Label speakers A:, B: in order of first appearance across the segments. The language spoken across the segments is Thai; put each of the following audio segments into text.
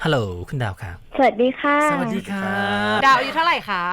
A: ฮัลโหลคุณดาวค่ะ
B: สวัสดีค่ะ
A: สวัสดีค่ะ
C: ดาวอายุเท่าไหร่คะ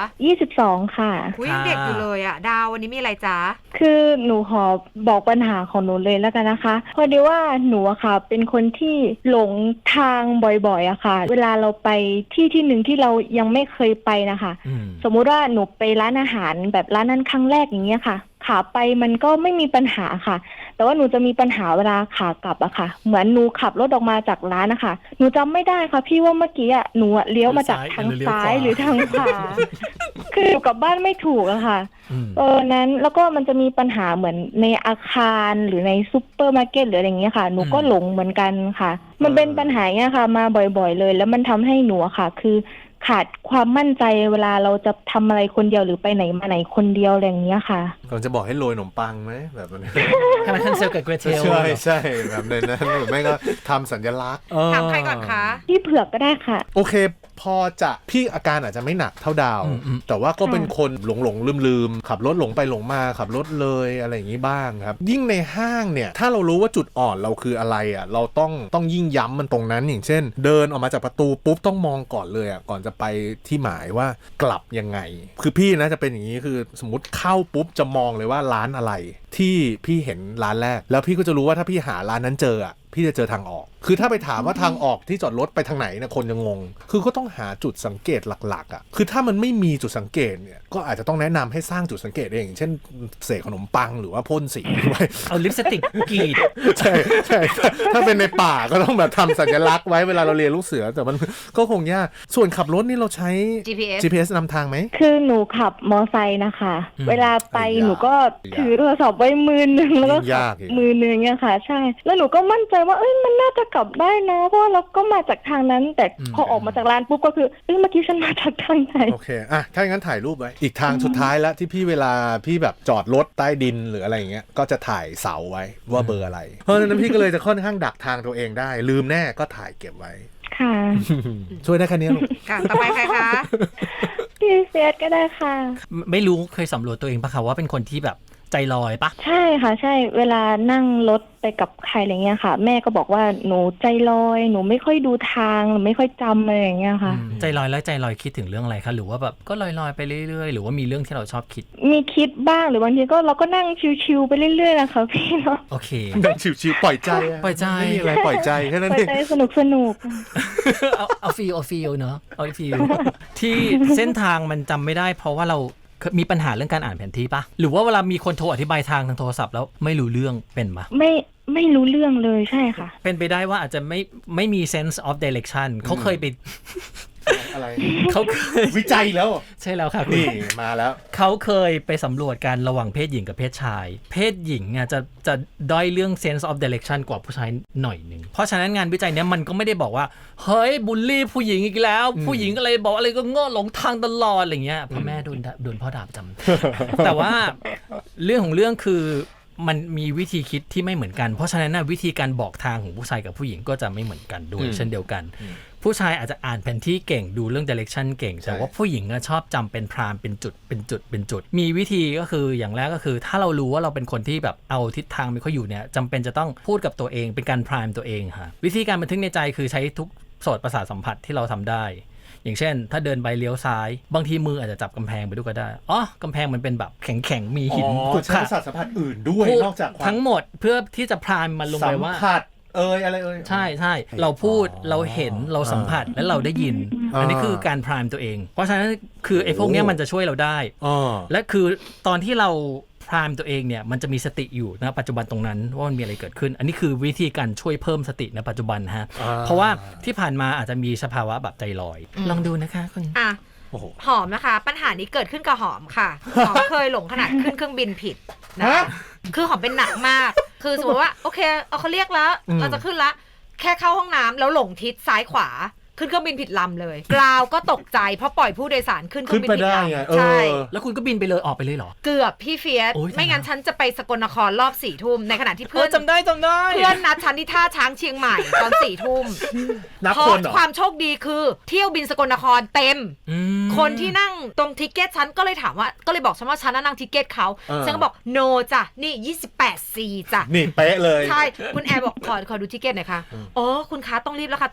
B: 22ค่ะ
C: อุ๊ยยังเด็กอยู่เลยอ่ะดาววันนี้มีอะไรจ๊ะ
B: คือหนูขอบอกปัญหาของหนูเลยแล้วกันนะคะพอดีว่าหนูอะค่ะเป็นคนที่หลงทางบ่อยๆอะค่ะเวลาเราไปที่หนึ่งที่เรายังไม่เคยไปนะคะสมมุติว่าหนูไปร้านอาหารแบบร้านนั้นครั้งแรกอย่างเงี้ยค่ะขาไปมันก็ไม่มีปัญหาค่ะแต่ว่าหนูจะมีปัญหาเวลาขากลับอะค่ะเหมือนหนูขับรถออกมาจากร้านนะคะหนูจำไม่ได้ค่ะพี่ว่าเมื่อกี้อะหนูเลี้ยวมาจากทางซ้ายหรือทางขวาคืออยู่กับบ้านไม่ถูกอะค่ะนั้นแล้วก็มันจะมีปัญหาเหมือนในอาคารหรือในซุปเปอร์มาร์เก็ตหรืออะไรอย่างเงี้ยค่ะหนูก็หลงเหมือนกันค่ะมันเป็นปัญหาเนี้ยค่ะมาบ่อยๆเลยแล้วมันทำให้หนูอะค่ะคือขาดความมั่นใจเวลาเราจะทำอะไรคนเดียวหรือไปไหนมาไหนคนเดียวอะไรอย่างเงี้ยค่ะ
D: ก่อนจะบอกให้โรยขนมปังไหมแบบนี้
A: ให้มันทันเซลกับเกรเทล
D: ใช่แบบนั้นหรือไม่ก็ทำสัญลักษณ์
C: ถามใครก่อนคะ
B: พี่เผือกก็ได้ค่ะ
D: โอเคพอจะพี่อาการอาจจะไม่หนักเท่าดาวแต่ว่าก็เป็นคนหลงลืมขับรถหลงไปหลงมาขับรถเลยอะไรอย่างนี้บ้างครับยิ่งในห้างเนี่ยถ้าเรารู้ว่าจุดอ่อนเราคืออะไรอ่ะเราต้องยิ่งย้ำมันตรงนั้นอย่างเช่นเดินออกมาจากประตูปุ๊บต้องมองก่อนเลยอ่ะก่อนจะไปที่หมายว่ากลับยังไงคือพี่นะจะเป็นอย่างนี้คือสมมติเข้าปุ๊บจะมองเลยว่าร้านอะไรที่พี่เห็นร้านแรกแล้วพี่ก็จะรู้ว่าถ้าพี่หาร้านนั้นเจออ่ะพี่จะเจอทางออกคือถ้าไปถามว่าทางออกที่จอดรถไปทางไหนนะคนจะงงคือก็ต้องหาจุดสังเกตหลักๆอ่ะคือถ้ามันไม่มีจุดสังเกตเนี่ยก็อาจจะต้องแนะนำให้สร้างจุดสังเกตเองอย่างเช่นเสกขนมปังหรือว่าพ่นสีไว้
A: เอาลิปสติกกรีด
D: ใช่ถ้าเป็นในป่าก็ต้องแบบทำสัญลักษณ์ไว้เวลาเราเรียนลูกเสือแต่มันก็คงยากส่วนขับรถนี่เราใช้ GPS นำทางไหม
B: คือหนูขับมอไซค์นะคะเวลาไปหนูก็ถือโทรศัพท์ไว้มือนึงแล้วก็ขับมือนึงเนี่ยค่ะใช่แล้วหนูก็มั่นใจว่ามันน่าจะกลับได้นะเพราะเราก็มาจากทางนั้นแต่พอออกมาจากร้านปุ๊บก็คือเมื่อกี้ฉันมาจากทางไหน
D: โอเคอ่ะถ้าอย่างนั้นถ่ายรูปไว้อีกทางสุดท้ายแล้วที่พี่เวลาพี่แบบจอดรถใต้ดินหรืออะไรอย่างเงี้ยก็จะถ่ายเสาไว้ว่าเบอร์อะไรเพราะฉะนั้นพี่ก็เลยจะค่อนข้างดักทางตัวเองได้ลืมแน่ก็ถ่ายเก็บไว้
B: ค่ะ
D: ช่วยได้แค่นี้ลูก
C: ค่ะต่อไปใครคะ
B: พี่เฟียสก็ได้ค่ะ
A: ไม่รู้เคยสำรวจตัวเองปะคะว่าเป็นคนที่แบบใจลอยปะ
B: ใช่ค่ะใช่เวลานั่งรถไปกับใครอะไรเงี้ยค่ะแม่ก็บอกว่าหนูใจลอยหนูไม่ค่อยดูทางหนูไม่ค่อยจำอะไรอย่างเงี้ยค่ะ
A: ใจลอยแล้วใจลอยคิดถึงเรื่องอะไรคะหรือว่าแบบก็ลอยๆไปเรื่อยๆหรือว่ามีเรื่องที่เราชอบคิด
B: มีคิดบ้างหรือบางทีก็เราก็นั่งชิวๆไปเรื่อยๆนะคะพี่เนาะ
A: โอเค
D: นั่งชิวๆปล่อยใจไม่มีอะไรปล่อยใจแค่นั้นเอง
B: ปล่อยใจสนุก
A: เอาฟีลเนาะเอาฟีลที่เส้นทางมันจำไม่ได้เพราะว่าเรามีปัญหาเรื่องการอ่านแผนที่ปะหรือว่าเวลามีคนโทรอธิบายทางโทรศัพท์แล้วไม่รู้เรื่องเป็นปะ
B: ไม่รู้เรื่องเลยใช่ค่ะ
A: เป็นไปได้ว่าอาจจะไม่มี sense of direction เขาเคยไป
D: อะไร
A: เขาเคย
D: วิจัยแล้ว
A: ใช่แล้วค่ะ
D: นี่มาแล้ว
A: เขาเคยไปสำรวจการระหว่างเพศหญิงกับเพศชายเพศหญิงอ่ะจะด้อยเรื่อง sense of direction กว่าผู้ชายหน่อยนึงเพราะฉะนั้นงานวิจัยเนี้ยมันก็ไม่ได้บอกว่าเฮ้ยบูลลี่ผู้หญิงอีกแล้วผู้หญิงอะไรบอกอะไรก็โง่หลงทางตลอดอะไรเงี้ยพ่อแม่โดนพ่อด่าประจำแต่ว่าเรื่องของเรื่องคือมันมีวิธีคิดที่ไม่เหมือนกันเพราะฉะนั้นวิธีการบอกทางของผู้ชายกับผู้หญิงก็จะไม่เหมือนกันด้วยเช่นเดียวกันผู้ชายอาจจะอ่านแผนที่เก่งดูเรื่อง direction เก่งแต่ว่าผู้หญิงชอบจำเป็นพรามเป็นจุดมีวิธีก็คืออย่างแรกก็คือถ้าเรารู้ว่าเราเป็นคนที่แบบเอาทิศทางไม่ค่อยอยู่เนี่ยจำเป็นจะต้องพูดกับตัวเองเป็นการพรามตัวเองค่ะวิธีการบันทึกในใจคือใช้ทุกโสตประสาทสัมผัสที่เราทำได้อย่างเช่นถ้าเดินไปเลี้ยวซ้ายบางทีมืออาจจะจับกำแพงไปด้วยก็ได้กำแพงมันเป็นแบบแข็งมีหิน
D: ใช้ประสาทสัมผัสอื่นด้วยนอกจาก
A: ทั้งหมดเพื่อที่จะพรามมันลงไปว่า
D: สัมผัสอะไร
A: ใช่เราพูดเราเห็นเราสัมผัสและเราได้ยินอันนี้คือการพรามตัวเองเพราะฉะนั้นคือไอ้พวกนี้มันจะช่วยเราได้และคือตอนที่เราพรามตัวเองเนี่ยมันจะมีสติอยู่นะปัจจุบันตรงนั้นว่ามันมีอะไรเกิดขึ้นอันนี้คือวิธีการช่วยเพิ่มสติในปัจจุบันฮะเพราะว่าที่ผ่านมาอาจจะมีสภาวะแบบใจลอยลองดูนะคะคุณ
C: หอมนะคะปัญหานี้เกิดขึ้นกับหอมค่ะหอมเคยหลงขนาดขึ้นเครื่องบินผิดนะคือหอมเป็นหนักมากคือสมมติว่าโอเคเขาเรียกแล้วเราจะขึ้นละแค่เข้าห้องน้ำแล้วหลงทิศซ้ายขวาขึ้นเครื่องบินผิดลำเลยกราวก็ตกใจเพราะปล่อยผู้โดยสารขึ้นเครื่องบินผิดลำใช่
A: แล้วคุณก็บินไปเลยออกไปเลยเหรอ
C: เกือบพี่เฟียสไม่งั้นฉันจะไปสกลนครรอบ4 ทุ่มในขณะที่เพื่อน
A: จำได้
C: เพื่อนนัดฉันที่ท่าช้างเชียงใหม่ตอน4 ทุ่มเพราะความโชคดีคือเที่ยวบินสกลนครเต็มคนที่นั่งตรงทิเก็ตฉันก็เลยถามว่าก็เลยบอกฉันว่าฉันนั่งทิเก็ตเขาฉันก็บอกโนจ้ะนี่28 C จ้ะ
D: นี่เป๊ะเลย
C: ใช่คุณแอร์บอกขอดูทิเก็ตหน่อยค่ะอ๋อคุณคะต้องรีบแล้วค่ะตอนนี้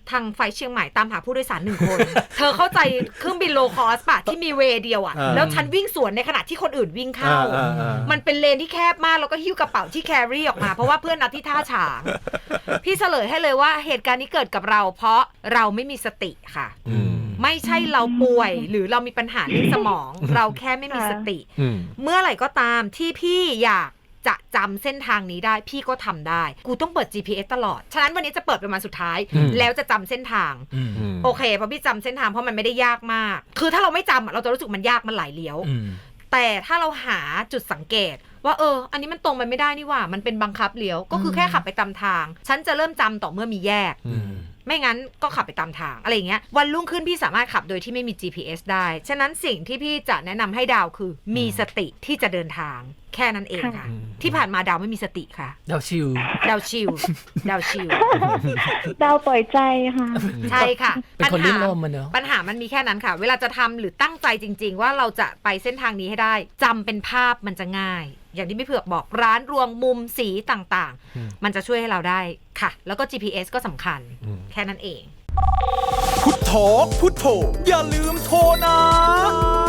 C: ทางไฟเชียงใหม่ตามหาผู้โดยสาร1 คน เธอเข้าใจเครื่องบินโลคอสป่ะที่มีเวย์เดียวอะแล้วฉันวิ่งสวนในขณะที่คนอื่นวิ่งเข้ามันเป็นเลนที่แคบมากแล้วก็หิ้วกระเป๋าที่แครี่ออกมาเพราะว่าเพื่อนนัดที่ท่าฉางพี่เฉลยให้เลยว่าเหตุการณ์นี้เกิดกับเราเพราะเราไม่มีสติค่ะไม่ใช่เราป่วยหรือเรามีปัญหาเรื่องสมองเราแค่ไม่มีสติเมื่อไหร่ก็ตามที่พี่อยากจะจำเส้นทางนี้ได้พี่ก็ทำได้กูต้องเปิด GPS ตลอดฉะนั้นวันนี้จะเปิดเป็นวันสุดท้ายแล้วจะจำเส้นทางโอเคเพราะพี่จำเส้นทางเพราะมันไม่ได้ยากมากคือถ้าเราไม่จำเราจะรู้สึกมันยากมันหลายเลี้ยวแต่ถ้าเราหาจุดสังเกตว่าอันนี้มันตรงไปไม่ได้นี่หว่ามันเป็นบังคับเลี้ยวก็คือแค่ขับไปตามทางฉันจะเริ่มจำต่อเมื่อมีแยกไม่งั้นก็ขับไปตามทางอะไรอย่างเงี้ยวันรุ่งขึ้นพี่สามารถขับโดยที่ไม่มี GPS ได้ฉะนั้นสิ่งที่พี่จะแนะนำให้ดาวคือมีสติที่จะเดินทางแค่นั้นเองค่ะที่ผ่านมาดาวไม่มีสติค่ะ
A: ดาวชิล
C: ดาวชิล
B: ดาวปล่อยใจค่ะ
C: ใช่ค่ะ
A: เป็นคนลื่นลมมันเนอะ
C: ปัญหามันมีแค่นั้นค่ะเวลาจะทำหรือตั้งใจจริงๆว่าเราจะไปเส้นทางนี้ให้ได้จำเป็นภาพมันจะง่ายอย่างที่พี่เผือกบอกร้านรวงมุมสีต่างๆมันจะช่วยให้เราได้ค่ะแล้วก็ GPS ก็สำคัญแค่นั้นเอง
E: พุทโธพุทโธอย่าลืมโทรนะ